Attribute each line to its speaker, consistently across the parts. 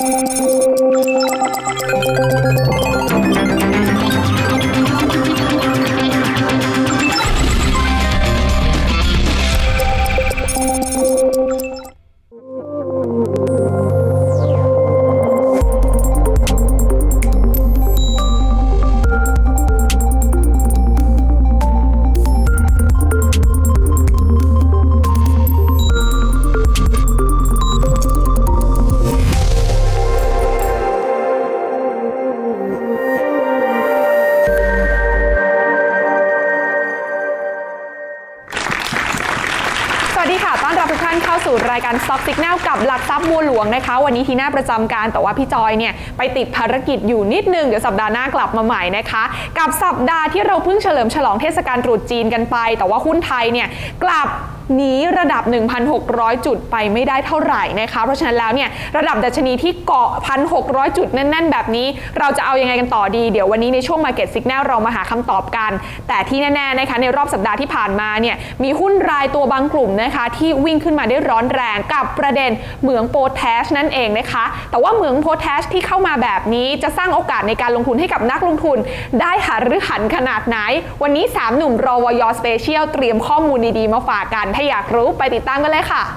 Speaker 1: รายการ Stock Signal กับหลักทรัพย์บัวหลวงนะคะวันนี้ทีน่าประจำการแต่ว่าพี่จอยเนี่ยไปติดภารกิจอยู่นิดนึงเดี๋ยวสัปดาห์หน้ากลับมาใหม่นะคะกับสัปดาห์ที่เราเพิ่งเฉลิมฉลองเทศกาลตรุษจีนกันไปแต่ว่าหุ้นไทยเนี่ยกลับหนีระดับ 1,600 จุดไปไม่ได้เท่าไหร่นะคะเพราะฉะนั้นแล้วเนี่ยระดับดัชนีที่เกาะ 1,600 จุดแน่นๆแบบนี้เราจะเอายังไงกันต่อดีเดี๋ยววันนี้ในช่วง Market Signal เรามาหาคำตอบกันแต่ที่แน่ๆนะคะในรอบสัปดาห์ที่ผ่านมาเนี่ยมีหุ้นรายตัวบางกลุ่มนะคะที่วิ่งขึ้นมาได้ร้อนแรงกับประเด็นเหมืองโพแทสนั่นเองนะคะแต่ว่าเหมืองโพแทสที่เข้ามาแบบนี้จะสร้างโอกาสในการลงทุนให้กับนักลงทุนได้หรือหันขนาดไหนวันนี้3หนุ่มรวยสเปเชียลเตรียมข้อมูลดีๆมาฝากกันถ้าอยากรู้ไปติดตามกันเลยค่ะ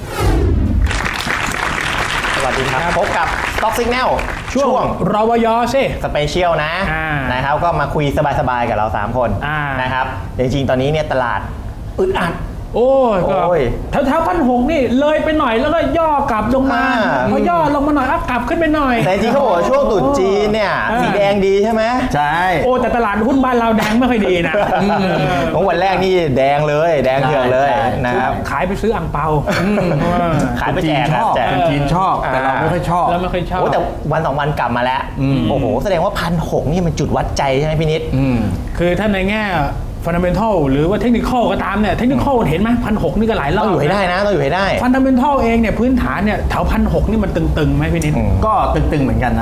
Speaker 2: สวัสดีครับพบกับ Stock Signal
Speaker 3: ช่วงรวยสิ
Speaker 2: สเปเชียลนะครับก็มาคุยสบายๆกับเรา3คนนะครับจริงๆตอนนี้เนี่ยตลาดอึดอัด
Speaker 3: โอ้ยแถว1,600นี่เลยไปหน่อยแล้วก็ย่อกลับลงมาพอย่อลงมาหน่อยกลับขึ้นไปหน่อย
Speaker 2: แต่จริงเขาบอกว่าช่วงตรุษจีนเนี่ยสีแดงดีใช่ไหม
Speaker 3: ใช่โอ้แต่ตลาดหุ้นบ้านเราแดงไม่ค่อยดีนะ
Speaker 2: ของวันแรกนี่แดงเลยแดงเถื่อนเลยนะครับ
Speaker 3: ขายไปซื้ออั่งเปา
Speaker 2: ขายไปแจก
Speaker 3: จีนชอบแต่เราไม่ค่อยชอบ
Speaker 2: โอ้แต่วัน2วันกลับมาแล้วโอ้โหแสดงว่า1,600นี่มันจุดวัดใจใช่ไหมพี่นิด
Speaker 3: คือถ้าในแง่fundamental หรือว่าเทคนิคก็ตามเนี่ยเทคนิคเห็นไหม1,600นี่ก็หลายรอบ
Speaker 2: ต้องอยู่ให้ได้นะต้องอยู่ให้ได้
Speaker 3: fundamental เองเนี่ยพื้นฐานเนี่ยแถว1,600นี่มันตึงๆไหมพี่นิด
Speaker 4: ก็ตึงๆเหมือนกันนะ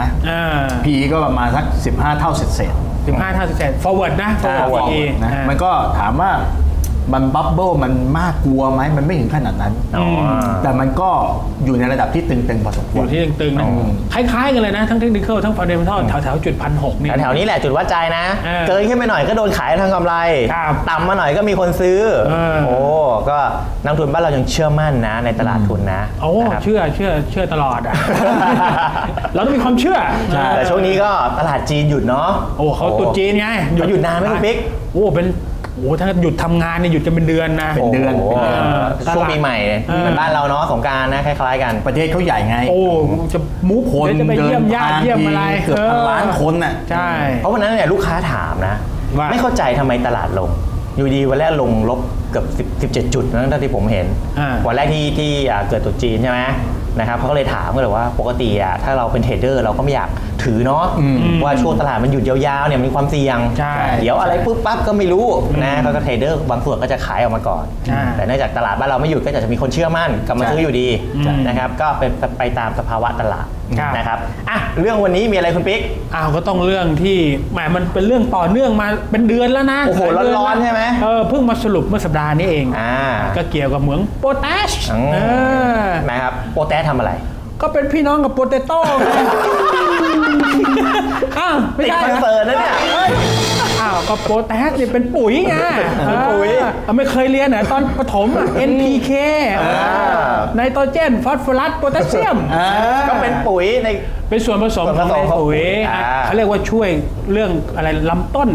Speaker 4: PE ก็ประมาณสัก15 เท่าเศษ
Speaker 3: 15 เท่าเศษ forward นะ
Speaker 4: forward นะมันก็ถามว่ามันบับเบิ้ลมันมากกลัวไหมมันไม่ถึงขนาดนั้นแต่มันก็อยู่ในระดับที่ตึงๆพอสมควร
Speaker 3: อยู่ที่ตึงๆนะคล้ายๆกันเลยนะทั้งเทคนิคทั้ง fundamental แถวจุด1,600นี่
Speaker 2: แถวนี้แหละจุดวัดใจนะเกินขึ้นไปหน่อยก็โดนขายทางกำไรต่ำมาหน่อยก็มีคนซื้อโอ้ก็นักทุนบ้านเรายังเชื่อมั่นนะในตลาดทุนนะ
Speaker 3: โอ้เชื่อตลอดอ่ะเราต้องมีความเชื่อ
Speaker 2: แต่ช่วงนี้ก็ตลาดจีนหยุดเนาะ
Speaker 3: โอ้เขาตุนจีนไง
Speaker 2: หยุดนานไหมคุณปิ๊ก
Speaker 3: โอ้เป็นถ้าหยุดทำงานเนี่ยหยุดกันเป็นเดือนนะ
Speaker 4: เป็นเดือน
Speaker 2: ช่วงปีใหม่เหมือนบ้านเราเนาะสงกรานต์นะคล้ายๆกัน
Speaker 4: ประเทศเขาใหญ่ไง
Speaker 3: โอ้จะมูฟคนจะไปเยี่ยมญาติเยี่ยมอะไร
Speaker 4: เกือบ1,000 ล้านคนน่ะ
Speaker 3: ใช่
Speaker 2: เพราะวันนั้นเนี่ยลูกค้าถามนะไม่เข้าใจทำไมตลาดลงอยู่ดีวันแรกลงลบเกือบ17 จุดนั่นที่ผมเห็นวันแรกที่เกิดตรุษจีนใช่ไหมนะครับเขาก็เลยถามกันเลยว่าปกติถ้าเราเป็นเทรดเดอร์เราก็ไม่อยากถือเนาะว่าช่วงตลาดมันหยุดยาวๆเนี่ยมีความเสี่ยงเดี๋ยวอะไรปุ๊บปั๊บก็ไม่รู้นะก็เทรดเดอร์บางส่วนก็จะขายออกมาก่อนแต่เนื่องจากตลาดบ้านเราไม่หยุดก็จะมีคนเชื่อมั่นกลับมาซื้ออยู่ดีนะครับก็เป็นไปตามสภาวะตลาดนะครับอ่ะเรื่องวันนี้มีอะไรคุณปิ๊ก
Speaker 3: ก็ต้องเรื่องที่แหมมันเป็นเรื่องต่อเนื่องมาเป็นเดือนแล้วนะ
Speaker 2: โอ้โหร้อนๆใช่ไหม
Speaker 3: เพิ่งมาสรุปเมื่อสัปดาห์นี้เองก็เกี่ยวกับเหมืองโพแทส
Speaker 2: นะครับโพแทสทำอะไร
Speaker 3: ก็เป็นพี่น้องกับโปเตโต้
Speaker 2: ไม่ใช่คอนเสิร์ตนะเนี่ย
Speaker 3: ก็โพแทสเนี่ยเป็นปุ๋ยไง
Speaker 2: ปุ๋ย
Speaker 3: ไม่เคยเรียนเหรอตอนประถมNPK ไนโตรเจนฟอสฟอรัสโพแทสเซียม
Speaker 2: ก็เป็นปุ๋ยใน
Speaker 3: เป็นส่วนผสมของปุ๋ยเขาเรียกว่าช่วยเรื่องอะไรลำต้น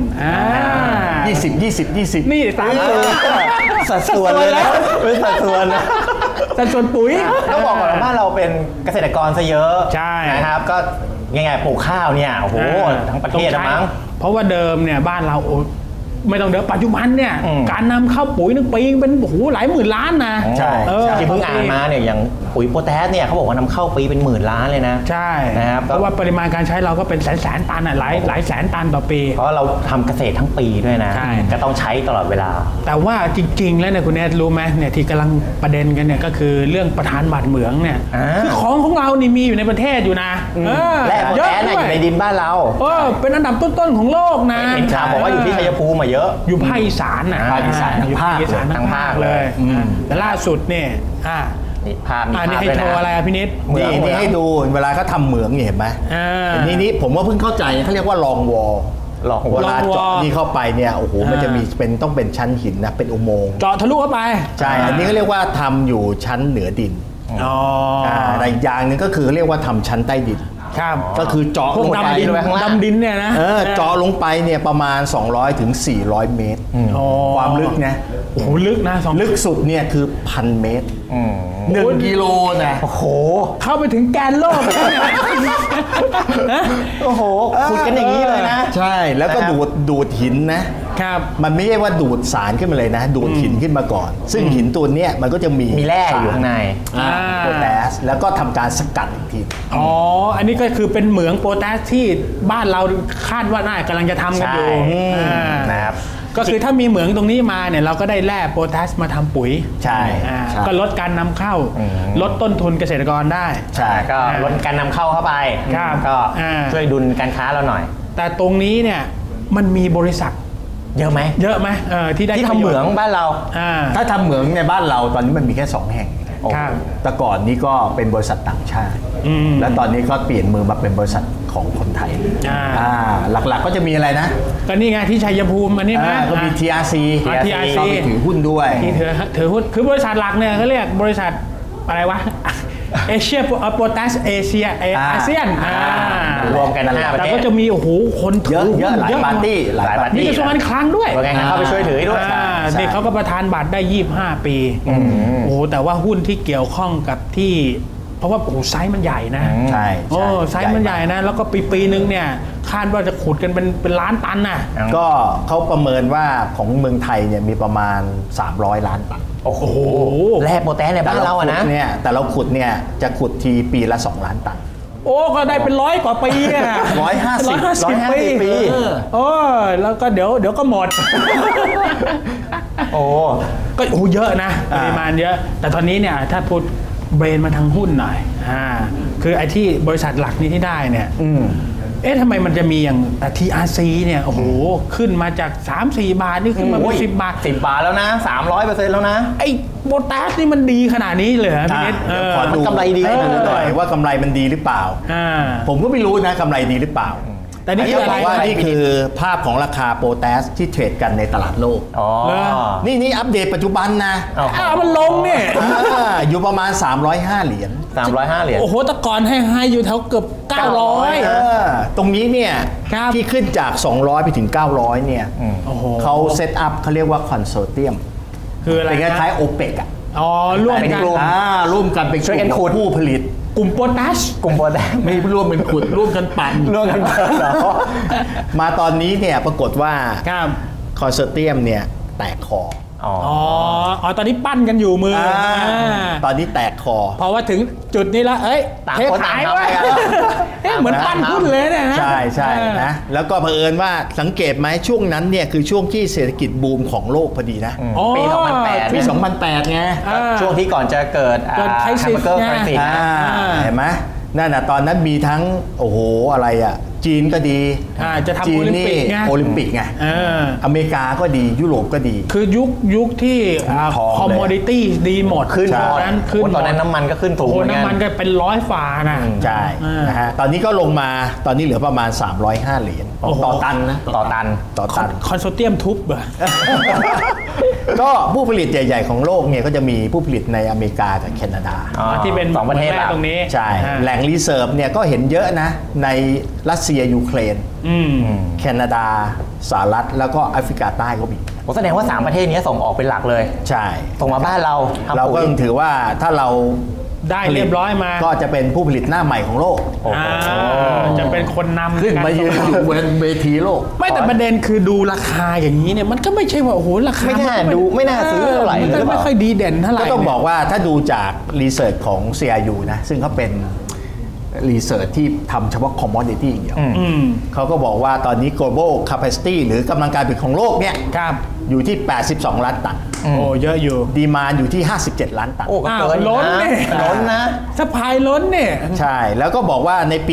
Speaker 4: 20
Speaker 3: นี่ตาม
Speaker 2: สัดส่วนเลยนะเป็นสัดส่วนนะ
Speaker 3: สัดส่วนปุ๋ย
Speaker 2: ต้องบอกก่อนว่าบ้านเราเป็นเกษตรกรซะเยอะนะครับก็ง่ายๆปลูกข้าวเนี่ยโอ้โหทั้งประเทศมั้ง
Speaker 3: เพราะว่าเดิมเนี่ยบ้านเราไม่ต้องเดิมปัจจุบันเนี่ยการนำเข้าปุ๋ยนึงปีเป็นโอ้โหหลายหมื่นล้านนะ
Speaker 2: ใช่ที่เพิ่งอ่านมาเนี่ยอย่างปุ๋ยโพแทสเนี่ยเขาบอกว่านำเข้าปีเป็นหมื่นล้านเลยนะ
Speaker 3: ใช่
Speaker 2: นะครับ
Speaker 3: เพราะว่าปริมาณการใช้เราก็เป็นแสนตันหลายแสนตันต่อปี
Speaker 2: เพราะเราทำเกษตรทั้งปีด้วยนะก็ต้องใช้ตลอดเวลา
Speaker 3: แต่ว่าจริงๆแล้วเนี่ยคุณแนทรู้ไหมเนี่ยที่กำลังประเด็นกันเนี่ยก็คือเรื่องประธานบัตรเหมืองเนี่ยคือของเรานี่มีอยู่ในประเทศอยู่นะ
Speaker 2: และโพแทสอยู่ในดินบ้านเรา
Speaker 3: เป็นอันดับต้นๆของโลกนะ
Speaker 2: เห็นข่าวบอกว่าอยู่ที่ชัยภูมิมาเยอะ
Speaker 3: อยู่ภาคอีสานนะ
Speaker 4: ภาคอีสาน
Speaker 3: ทั้งภาคเลยแต่ล่าสุดเนี่ย
Speaker 2: นี่ภาพมี
Speaker 3: อันนี้
Speaker 2: ภาพ
Speaker 3: ให้
Speaker 2: ด้วย
Speaker 3: โชว์อะไร
Speaker 2: นะ
Speaker 3: อะพี่นิด
Speaker 4: นี่ให้ดูเวลาเขาทำเหมืองเห็นไหมนี่ผมว่าเพิ่งเข้าใจเขาเรียกว่าลองวอล
Speaker 2: ลองวอล
Speaker 4: เวลาเจาะนี่เข้าไปเนี่ยโอ้โหมันจะมีต้องเป็นชั้นหินนะเป็นอุโมงค์
Speaker 3: เจาะทะลุเข้าไป
Speaker 4: ใช่อันนี้ก็เรียกว่าทำอยู่ชั้นเหนือดิน
Speaker 3: อ๋อ
Speaker 4: แต่อีกอย่างหนึ่งก็คือเรียกว่าทำชั้นใต้ดิน
Speaker 3: ครับ
Speaker 4: ก็คือเจาะ
Speaker 3: พว
Speaker 4: ล
Speaker 3: ก
Speaker 4: งไป
Speaker 3: ดำดินดำดินเนี่ยนะ
Speaker 4: เจาะลงไปเนี่ยประมาณ200ถึง400 เมตร ความลึกนะ
Speaker 3: โอ้โหลึกนะ
Speaker 4: ลึกสุดเนี่ยคือ1,000 เมตร1 กิโลนะโอ้โห
Speaker 3: เข้าไปถึงแกนโลก
Speaker 2: โอ้โหขุดกันอย่างนี้เลยนะ
Speaker 4: ใช่แล้วก็ดูดหินนะครับ มันไม่ใช่ว่าดูดสารขึ้นมาเลยนะ ดูดหินขึ้นมาก่อน ซึ่งหินตัวเนี้ยมันก็จะมี
Speaker 2: มีแร่อยู่ข้างใน
Speaker 4: โพแทสแล้วก็ทำการสกัดอีกที
Speaker 3: อ๋อ อันนี้ก็คือเป็นเหมืองโพแทสที่บ้านเราคาดว่าน่ากำลังจะทำกันอยู่
Speaker 2: นะครับ
Speaker 3: ก็คือถ้ามีเหมืองตรงนี้มาเนี่ยเราก็ได้แร่โพแทสมาทำปุ๋ย
Speaker 4: ใช่
Speaker 3: ก็ลดการนำเข้า ลดต้นทุนเกษตรกรได้
Speaker 2: ใช่ก็ลดการนำเข้าเข้าไป
Speaker 3: ครับ
Speaker 2: ก็ช่วยดุลการค้าเราหน่อย
Speaker 3: แต่ตรงนี้เนี่ยมันมีบริษัท
Speaker 2: เยอะไหม
Speaker 3: เยอะไหมที่ได้
Speaker 2: ที่ทำเหมืองบ้านเรา
Speaker 4: ถ้าทำเหมืองในบ้านเราตอนนี้มันมีแค่2 แห่ง
Speaker 3: ครับ
Speaker 4: แต่ก่อนนี้ก็เป็นบริษัทต่างชาติ และตอนนี้ก็เปลี่ยนมือมาเป็นบริษัทของคนไทยหลักๆก็จะมีอะไรนะ
Speaker 3: ก็นี่ไงที่ชัยภูมิอันนี้นะ
Speaker 4: ก็มี TRC
Speaker 3: TRC
Speaker 4: ก็ไปถือหุ้นด้วย
Speaker 3: ที่ถือหุ้นคือบริษัทหลักเนี่ยเขาเรียกบริษัทอะไรวะเอเชียโพแทสเอเชียอาเซียน
Speaker 2: รวมกัน5 ประ
Speaker 3: แต่
Speaker 2: เทศ
Speaker 3: ก็จะมีโอ้โหคนถื
Speaker 4: เยอะหลายปาร์ตี้
Speaker 3: มีกระทรวงการคลังด้วย
Speaker 2: ว่าไงเข้าไปช่วยถือด้วย
Speaker 3: เด็กเขาก็ประทานบัตรได้25 ปีโอ้โหแต่ว่าหุ้นที่เกี่ยวข้องกับที่เพราะว่าโอ้โหไซส์มันใหญ่นะ
Speaker 4: ใช่
Speaker 3: โอ้ไซส์มันใหญ่นะแล้วก็ปีนึงเนี่ยคาดว่าจะขุดกันเป็นล้านตันน่ะ
Speaker 4: ก็เขาประเมินว่าของเมืองไทยเนี่ยมีประมาณ300 ล้านตัน
Speaker 2: โอ้โหแร่โพแทสในบ้านเราอะนะ
Speaker 4: แต่เราขุดเนี่ยจะขุดทีปีละ2 ล้านตัน
Speaker 3: โอ้ก็ได้เป็น100 กว่าปีอ่ะ
Speaker 4: 150
Speaker 3: 150 ปีแล้วก็เดี๋ยวก็หมด
Speaker 2: โอ้
Speaker 3: ก็โอ้เยอะนะปริมาณเยอะ แต่ตอนนี้เนี่ยถ้าพูดเบรนมาทางหุ้นหน่อยคือไอ้ที่บริษัทหลักนี้ที่ได้เนี่ยทำไมมันจะมีอย่างTRC เนี่ยโอ้โหขึ้นมาจาก 3-4 บาทนี่ขึ้นมาเป็น10 บาท
Speaker 2: 10 บาทแล้วนะ 300% แล้วนะ
Speaker 3: ไอ้โบตัสนี่มันดีขนาดนี้เลยเหรอพี่นิด
Speaker 4: ขอดู
Speaker 2: กำไรดี
Speaker 4: ให้ดูหน่อยว่ากำไรมันดีหรือเปล่า ผมก็ไม่รู้นะกำไรดีหรือเปล่า
Speaker 3: แต่นี่
Speaker 4: คืออะไรว่านี่คือภาพของราคาโพแทสที่เทรดกันในตลาดโลก นี่อัปเดตปัจจุบันนะ
Speaker 3: มันลงเนี่ย
Speaker 4: อยู่ประมาณ305 เหรียญ
Speaker 2: 305 เหรียญ
Speaker 3: โอ้โหแต่ก่อนให้อยู่แถวเกือบ900
Speaker 4: ตรงนี้เนี่ยที่ขึ้นจาก 200 ไปถึง 900 เนี่ยเขาเซตอัพเขาเรียกว่าคอนโซเทียม
Speaker 3: คืออะไร
Speaker 4: เป็นคล้ายๆโอเปกอ่ะ
Speaker 3: ร่วมกัน
Speaker 4: ร่วมกันเป็น
Speaker 2: ช่วยกันขุด
Speaker 4: ผู้ผลิต
Speaker 3: กลุ่มโพแทส
Speaker 2: กลุ่มโพแทส
Speaker 4: ไม่ร่วมเป็นขุดร่วมกันปั่น
Speaker 2: ร่วมกันปั่นเหรอ
Speaker 4: มาตอนนี้เนี่ยปรากฏว่า
Speaker 3: ครับ
Speaker 4: คอนโซเทียมเนี่ยแตกคอ
Speaker 3: ตอนนี้ปั้นกันอยู่มือ
Speaker 4: ตอนนี้แตกคอ
Speaker 3: เพราะว่าถึงจุดนี้แล้ว
Speaker 2: ต่างคนต่างทำไปกัน
Speaker 3: เหมือนปั้นหุ้นเลยเนี่ยนะ
Speaker 4: ใช่นะแล้วก็เผอิญว่าสังเกตไหมช่วงนั้นเนี่ยคือช่วงที่เศรษฐกิจบูมของโลกพอดีนะ
Speaker 2: ปี 2008
Speaker 4: ปี 2008ไง
Speaker 2: ช่วงที่ก่อนจะเกิด
Speaker 3: ไครซิส
Speaker 4: เห็นไหมนั่นน่ะตอนนั้นมีทั้งโอ้โหอะไรอ่ะจีนก็ดี
Speaker 3: จะทำโอลิมปิกไง
Speaker 4: โอลิมปิกไงอเมริกาก็ดียุโรปก็ดี
Speaker 3: คือยุคที่คอมมอดิตี้ดีหมด
Speaker 2: ขึ้นตอนนั้นน้ำมันก็ขึ้นสูง
Speaker 3: น้ำมันก็เป็น100 ฝ่านะ
Speaker 4: ใช่นะฮะตอนนี้ก็ลงมาตอนนี้เหลือประมาณ305 เหรียญต่อตันนะ
Speaker 2: ต่อตัน
Speaker 3: คอนโซเทียมทุบเหรอ
Speaker 4: ก็ผู้ผลิตใหญ่ๆของโลกเนี่ยก็จะมีผู้ผลิตในอเมริกากับแคนาดา
Speaker 3: ที่เป็น
Speaker 2: 2 ประเทศ
Speaker 3: ตรงนี้
Speaker 4: ใช่แหล่งรีเซิร์ฟเนี่ยก็เห็นเยอะนะในรัสเซียยูเครนแคนาดาสหรัฐแล้วก็แอฟริกาใต้ก็มี
Speaker 2: แสดงว่า3 ประเทศนี้ส่งออกเป็นหลักเลย
Speaker 4: ใช่
Speaker 2: ส่งมาบ้านเรา
Speaker 4: ก็ต้องถือว่าถ้าเรา
Speaker 3: ได้เรียบร้อยมา
Speaker 4: ก็จะเป็นผู้ผลิตหน้าใหม่ของโลก
Speaker 3: จะเป็นคนนำ
Speaker 4: ขึ้นมายืนอยู่บนเวทีโลก
Speaker 3: ไม่แต่ประเด็นคือดูราคาอย่างนี้เนี่ยมันก็ไม่ใช่ว่าโอ้โหราคา
Speaker 2: ไม่น่าซื้อเท่าไหร่เลย
Speaker 3: ไม่ค่อยดีเด่นเท่าไหร่
Speaker 4: ก็ต้องบอกว่าถ้าดูจากรีเสิร์ชของ CRU นะซึ่งเขาเป็นรีเสิร์ชที่ทำเฉพาะ commodity อย่างเดียวเขาก็บอกว่าตอนนี้ global capacity หรือกำลังการผลิตของโลกเนี่ยอยู่ที่82 ล้านตัน
Speaker 3: โอ้เยอะอยู่
Speaker 4: ดีมานด์อยู่ที่57 ล้านตัน
Speaker 2: โอ้ก็เกิน
Speaker 3: ล้นเนี่ย
Speaker 2: ล้นนะ
Speaker 3: ซัพพลายล้นเนี่ย
Speaker 4: ใช่แล้วก็บอกว่าในปี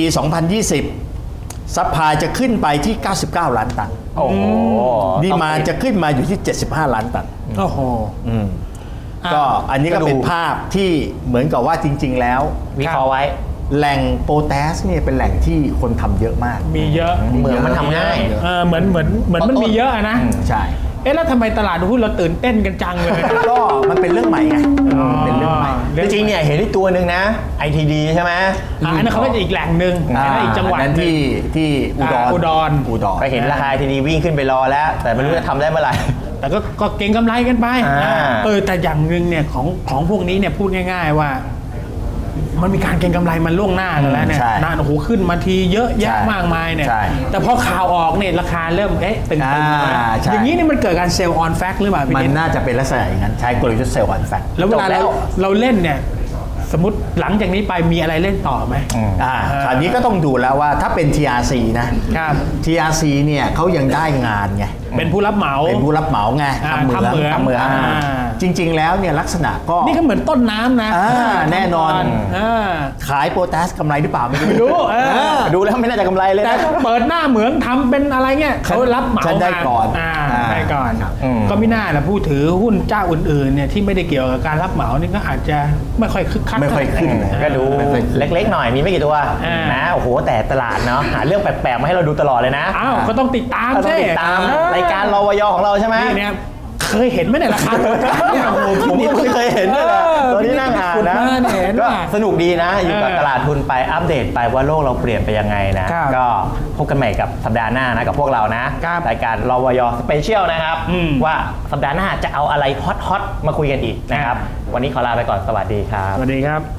Speaker 4: 2020ซัพพลายจะขึ้นไปที่99 ล้านตัน
Speaker 2: โอ้โห
Speaker 4: ดีมานด์จะขึ้นมาอยู่ที่75 ล้านตัน
Speaker 3: โอ้โห
Speaker 4: ก็อันนี้ก็เป็นภาพที่เหมือนกับว่าจริงๆแล้ว
Speaker 2: วิเคราะห์ไว้
Speaker 4: แหล่งโพแทสเนี่ยเป็นแหล่งที่คนทำเยอะมาก
Speaker 3: มีเยอะ
Speaker 2: เหมือนมันทำง่าย
Speaker 3: เหมือนมันมีเยอะนะ
Speaker 4: ใช่
Speaker 3: แล้วทำไมตลาดหุ้นเราตื่นเต้นกันจังเลย
Speaker 4: ก็มันเป็นเรื่องใหม่ไงเป็นเรื่องใหม่
Speaker 2: จริงๆเนี่ยเห็นที่ตัวหนึ่งนะ ITD ใช่ไหม
Speaker 3: อันนั้นเขาก็จะอีกแหล่งหนึ่งอีกจังหวัด
Speaker 4: นั้นที่อุดร
Speaker 2: ไปเห็นราคา ITD วิ่งขึ้นไปรอแล้วแต่ไม่รู้จะทำได้เมื่อไหร่
Speaker 3: แต่ก็เก่งกำไรกันไปแต่อย่างหนึ่งเนี่ยของพวกนี้เนี่ยพูดง่ายๆว่ามันมีการเก็งกำไรมันล่วงหน้าแล้วเนี่ยนานโอ้โหขึ้นมาทีเยอะแยะมากมายเนี่ยแต่พอข่าวออกเนี่ยราคาเริ่มตึงๆอย่างนี้นี่มันเกิดการเซลล์ออนแฟกต์หรือเปล่าพี่
Speaker 4: มันน่าจะเป็นลักษณะอย่างนั้นใช้กลยุทธ์เซลล์ออนแฟกต์
Speaker 3: แล้วเวลาเราเล่นเนี่ยสมมติหลังจากนี้ไปมีอะไรเล่นต่อไหม
Speaker 4: คราวนี้ก็ต้องดูแล้วว่าถ้าเป็น TRC นะ TRC เนี่ยเขายังได้งานไง
Speaker 3: เป็นผู้รับเหมา
Speaker 4: ไงทำเหมืองจริงๆแล้วเนี่ยลักษณะก็
Speaker 3: นี่ก็เหมือนต้นน้ำนะ
Speaker 4: แน่นอนขายโพแทสกำไรหรือเปล่าไม่รู้
Speaker 2: ดูแล้วไม่น่าจะกำไรเลย
Speaker 3: แต่เปิดหน้าเหมืองทำเป็นอะไรเงี้ยเขารับเหมา
Speaker 4: ได้ก่อน
Speaker 3: ก็ไม่น่าละผู้ถือหุ้นเจ้าอื่นๆเนี่ยที่ไม่ได้เกี่ยวกับการรับเหมานี่ก็อาจจะไม่ค่อยคึกคัก
Speaker 4: ไม่ค่อยขึ้น
Speaker 2: ก็ดูเล็กๆหน่อยมีไม่กี่ตัวนะโอ้โหแต่ตลาดเนาะหาเรื่องแปลกๆมาให้เราดูตลอดเลยนะ
Speaker 3: ก็ต้องติดตามใช่
Speaker 2: ติดตามรายการรวยของเราใช่ไหม
Speaker 3: เนี่ยเคยเห็นไหมเนี่ยราคา
Speaker 2: ผมไม่เคยเห็นเลยตอนนี้นั่งอ่านนะก็สนุกดีนะอยู่กับตลาดทุนไปอัปเดตไปว่าโลกเราเปลี่ยนไปยังไงนะก็พบกันใหม่กับสัปดาห์หน้านะกับพวกเรานะรายการรวยสเปเชียลนะครับว่าสัปดาห์หน้าจะเอาอะไรฮอตมาคุยกันอีกนะครับวันนี้ขอลาไปก่อนสวัสดีครับ
Speaker 3: สวัสดีครับ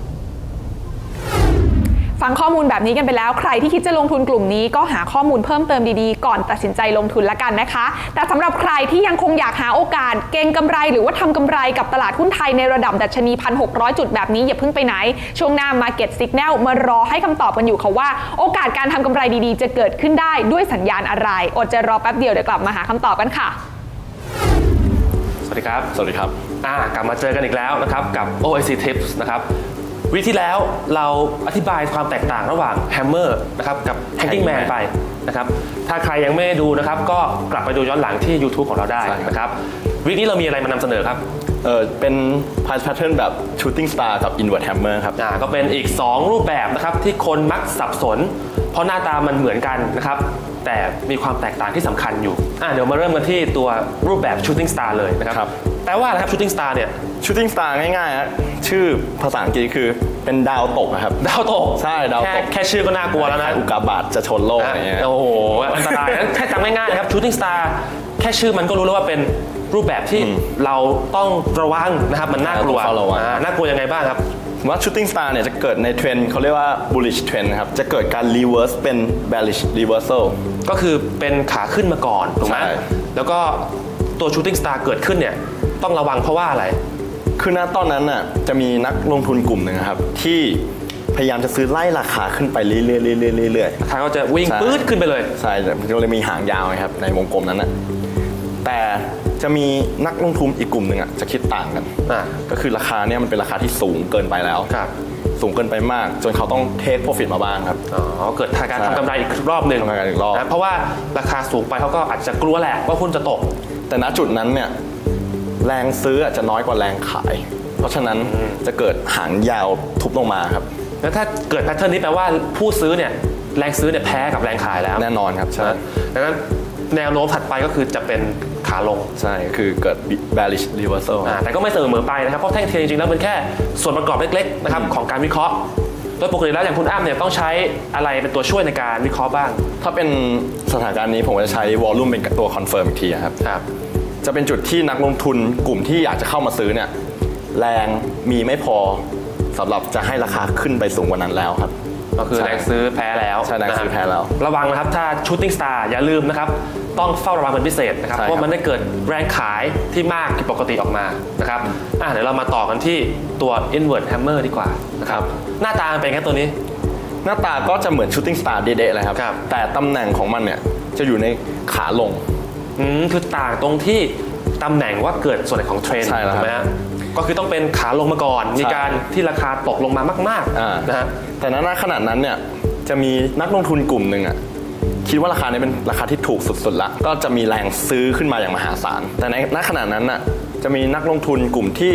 Speaker 1: ฟังข้อมูลแบบนี้กันไปแล้วใครที่คิดจะลงทุนกลุ่มนี้ก็หาข้อมูลเพิ่มเติมดีๆก่อนตัดสินใจลงทุนละกันนะคะแต่สำหรับใครที่ยังคงอยากหาโอกาสเก็งกำไรหรือว่าทำกำไรกับตลาดหุ้นไทยในระดับดัชนี 1,600 จุดแบบนี้อย่าเพิ่งไปไหนช่วงหน้า Market Signal มารอให้คำตอบกันอยู่ค่ะว่าโอกาสการทำกำไรดีๆจะเกิดขึ้นได้ด้วยสัญญาณอะไรอดใจรอแป๊บเดียวเดี๋ยวกลับมาหาคำตอบกันค่ะ
Speaker 5: สวัสดีครับกลับมาเจอกันอีกแล้วนะครับกับ OIC Tips นะครับวิที่แล้วเราอธิบายความแตกต่างระหว่าง Hammer นะครับกับ Hanging Man ไปนะครับถ้าใครยังไม่ได้ดูนะครับก็กลับไปดูย้อนหลังที่ YouTube ของเราได้นะครับวินี้เรามีอะไรมานำเสนอครับ
Speaker 6: เป็น price pattern แบบ shooting star กับ invert hammer ครับ
Speaker 5: ก็เป็นอีก2รูปแบบนะครับที่คนมักสับสนเพราะหน้าตามันเหมือนกันนะครับแต่มีความแตกต่างที่สำคัญอยู่เดี๋ยวมาเริ่มกันที่ตัวรูปแบบ shooting star เลยนะครับแต่ว่าอะไรครับ shooting star เนี่ย
Speaker 6: shooting star ง่ายๆฮะชื่อภาษาอังกฤษคือเป็นดาวตกนะครับ
Speaker 5: ดาวตก
Speaker 6: ใช่ดาวตก
Speaker 5: แค่ชื่อก็น่ากลัวแล้วนะ
Speaker 6: อุกกาบาตจะชนโลกอะไรเงี้ย
Speaker 5: โอ้โหอันตรายแค่จำง่ายๆนะครับ shooting star แค่ชื่อมันก็รู้แล้วว่าเป็นรูปแบบที่เราต้องระวังนะครับมันน่ากลัวน่ากลัวยังไงบ้างครับ
Speaker 6: ว่า shooting star เนี่ยจะเกิดในเทรนด์เขาเรียกว่า bullish trend ครับจะเกิดการ reverse เป็น bearish reversal
Speaker 5: ก็คือเป็นขาขึ้นมาก่อนถูกไหมแล้วก็ตัว shooting star เกิดขึ้นเนี่ยต้องระวังเพราะว่าอะไร
Speaker 6: คือณตอนนั้นน่ะจะมีนักลงทุนกลุ่มหนึ่งครับที่พยายามจะซื้อไล่ราคาขึ้นไปเรื่อย
Speaker 5: ๆราคาก็จะวิ่งปื๊ดขึ้นไปเลย
Speaker 6: ใช่ก็เลยมีหางยาวครับในวงกลมนั้นน่ะแต่จะมีนักลงทุนอีกกลุ่มหนึ่งจะคิดต่างกันก็คือราคาเนี่ยมันเป็นราคาที่สูงเกินไปแล้วสูงเกินไปมากจนเขาต้องเทคโปรฟิตมาบ้างครับ
Speaker 5: เกิดการทำกำไรอีกรอบหนึ่งเพราะว่าราคาสูงไปเขาก็อาจจะกลัวแหละว่าหุ้นจะตก
Speaker 6: แต่ณจุดนั้นเนี่ยแรงซื้ออาจจะน้อยกว่าแรงขายเพราะฉะนั้นจะเกิดหางยาวทุบลงมาครับ
Speaker 5: แล้วถ้าเกิดแพทเทิร์นนี้แปลว่าผู้ซื้อเนี่ยแรงซื้อเนี่ยแพ้กับแรงขายแล้ว
Speaker 6: แน่นอนครับใช่
Speaker 5: ดังนั้นแนวโน้มถัดไปก็คือจะเป็นขาลง
Speaker 6: ใช่คือเกิด bearish reversal
Speaker 5: แต่ก็ไม่เสมอไปนะครับเพราะแท่งเทียนจริงๆแล้วมันแค่ส่วนประกอบเล็กๆนะครับของการวิเคราะห์โดยปกติแล้วอย่างคุณอ้ำเนี่ยต้องใช้อะไรเป็นตัวช่วยในการวิเคราะห์บ้าง
Speaker 6: ถ้าเป็นสถานการณ์นี้ผมจะใช้ volume เป็นตัว confirm อีกทีครับจะเป็นจุดที่นักลงทุนกลุ่มที่อยากจะเข้ามาซื้อเนี่ยแรงมีไม่พอสำหรับจะให้ราคาขึ้นไปสูงกว่านั้นแล้วครับ
Speaker 5: ก็คือแรงซื้อแพ้แล้ว
Speaker 6: ใช่แรงซื้อแพ้แล้ว
Speaker 5: ระวังนะครับถ้า shooting star อย่าลืมนะครับต้องเฝ้าระวังเป็นพิเศษนะครับเพราะมันได้เกิดแรงขายที่มากผิดปกติออกมานะครับเดี๋ยวเรามาต่อกันที่ตัว invert hammer ดีกว่านะครับหน้าตาเป็นไงตัวนี้
Speaker 6: หน้าตาก็จะเหมือน shooting star เด๊ะๆเลยครับแต่ตำแหน่งของมันเนี่ยจะอยู่ในขาลง
Speaker 5: คือต่างตรงที่ตำแหน่งว่าเกิดส่วนไหนของเทรนด์ถูกไหมฮะก็คือต้องเป็นขาลงมาก่อนมีการที่ราคาตกลงมามากๆนะฮะ
Speaker 6: แต่ณขณะนั้นเนี่ยจะมีนักลงทุนกลุ่มหนึ่งคิดว่าราคานี้เป็นราคาที่ถูกสุดๆละก็จะมีแรงซื้อขึ้นมาอย่างมหาศาลแต่ในณขณะนั้นจะมีนักลงทุนกลุ่มที่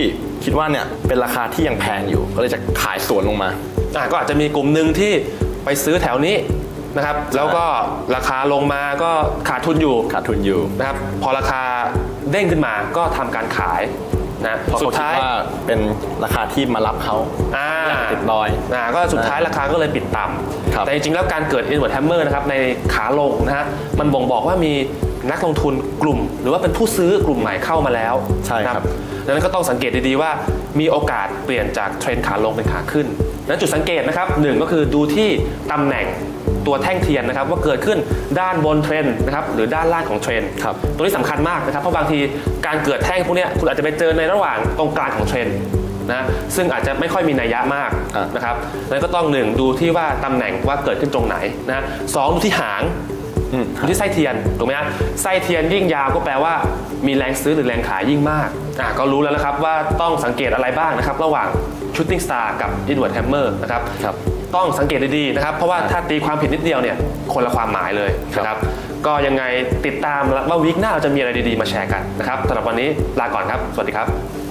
Speaker 6: คิดว่าเนี่ยเป็นราคาที่ยังแพงอยู่ก็เลยจะขายสวนลงมา
Speaker 5: ก็อาจจะมีกลุ่มหนึ่งที่ไปซื้อแถวนี้นะครับแล้วก็ราคาลงมาก็ขาดทุนอยู่นะครับพอราคาเด้งขึ้นมาก็ทำการขายนะ
Speaker 6: สุดท้ายว่าเป็นราคาที่มารับเขาติดดอย
Speaker 5: ก็สุดท้ายราคาก็เลยปิดต่ำแต่จริงๆแล้วการเกิด inward hammer นะครับในขาลงนะฮะมันบ่งบอกว่ามีนักลงทุนกลุ่มหรือว่าเป็นผู้ซื้อกลุ่มใหม่เข้ามาแล้ว
Speaker 6: ใช่ครับ
Speaker 5: ดังนั้นก็ต้องสังเกตดีๆว่ามีโอกาสเปลี่ยนจากเทรนขาลงเป็นขาขึ้นและจุดสังเกตนะครับ1ก็คือดูที่ตำแหน่งตัวแท่งเทียนนะครับว่าเกิดขึ้นด้านบนเทรนนะครับหรือด้านล่างของเทรนตัวนี้สำคัญมากนะครับเพราะบางทีการเกิดแท่งพวกนี้คุณอาจจะไปเจอในระหว่างตรงกลางของเทรนนะซึ่งอาจจะไม่ค่อยมีนัยยะมากนะครับแล้วก็ต้อง1ดูที่ว่าตำแหน่งว่าเกิดขึ้นตรงไหนนะ2ดูที่หางดูที่ไส้เทียนถูกไหมฮะไส้เทียนยิ่งยาวก็แปลว่ามีแรงซื้อหรือแรงขายยิ่งมากก็รู้แล้วนะครับว่าต้องสังเกตอะไรบ้างนะครับระหว่าง shooting star กับ inward hammer นะครับต้องสังเกตดีๆนะครับเพราะว่าถ้าตีความผิดนิดเดียวเนี่ยคนละความหมายเลยนะครับก็ยังไงติดตามว่าวีคหน้าเราจะมีอะไรดีๆมาแชร์กันนะครับสำหรับวันนี้ลาก่อนครับสวัสดีครับ